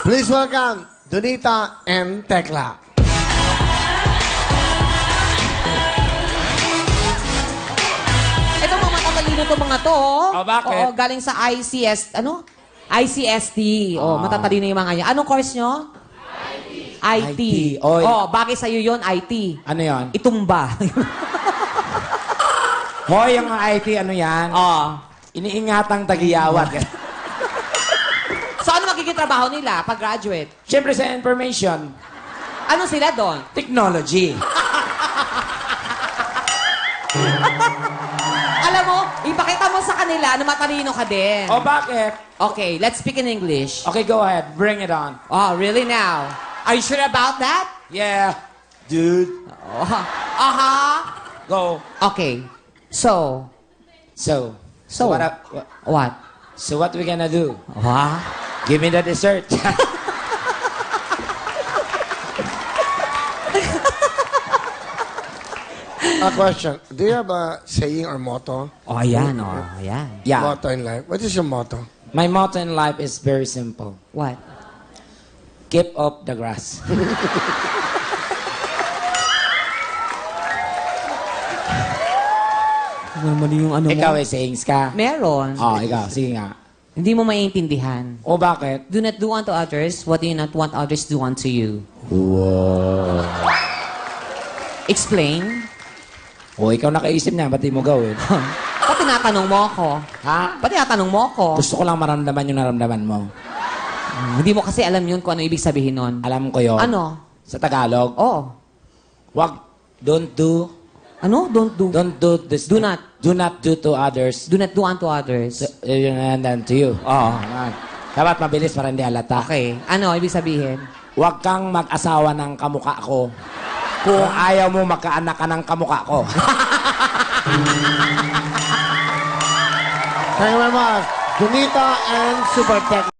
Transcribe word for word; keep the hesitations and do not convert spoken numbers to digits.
Please welcome Donita and Tekla. Ito mga matatalino to mga to. Oh. Oh, bakit? Oo, galing sa I C S, ano? I C S T. Oh, Ah. matatalino yung mga yan. Anong course nyo? I T. I T. Oy. Oh, bagay sa'yo yun, I T. Ano yon? Itumba. Hoy, yung I T, ano yan? oh. Iniingatang tagiyawat. So, ano magiging trabaho nila pag graduate? Siyempre sa information, Ano sila doon? technology. Alam mo, ipakita mo sa kanila na matalino ka din. O bakit? Okay, let's speak in English. Okay, go ahead. Bring it on. Oh, really now? Are you sure about that? Yeah. Dude. Oh, uh-huh. Go. Okay. So, So. So? what, up- what? what? So what we gonna do? What? Give me the dessert. A question. Do you have a saying or motto? Oh, ayan, oh, ayan. Yeah. Motto in life. What is your motto? My motto in life is very simple. What? Keep up the grass. Mali yung ano Ikaw eh, sayings ka. Meron. Oh, ikaw. Sige nga. Hindi mo maiintindihan. O bakit? Do not do unto others what you not want others do unto you. Wow. Explain. O, ikaw nakaisip niya. Ba't di mo gawin? Ba't tinatanong mo ako? Ha? Ba't tinatanong mo ako? Gusto ko lang maramdaman yung naramdaman mo. Hmm, hindi mo kasi alam yun kung ano ibig sabihin nun. Alam ko yon. Ano? Sa Tagalog. Oh. Wag, don't do, Ano? Don't do. don't do this. Do not. Do not do to others. Do not do unto others. So, yun and then to you. Oo. Ayan. Dapat mabilis para hindi halata. Okay. Ano ibig sabihin? Huwag kang mag-asawa ng kamukha ko kung ayaw mo magkaanak ka ng kamukha ko. Thank you very much. Donita and Super Tekla.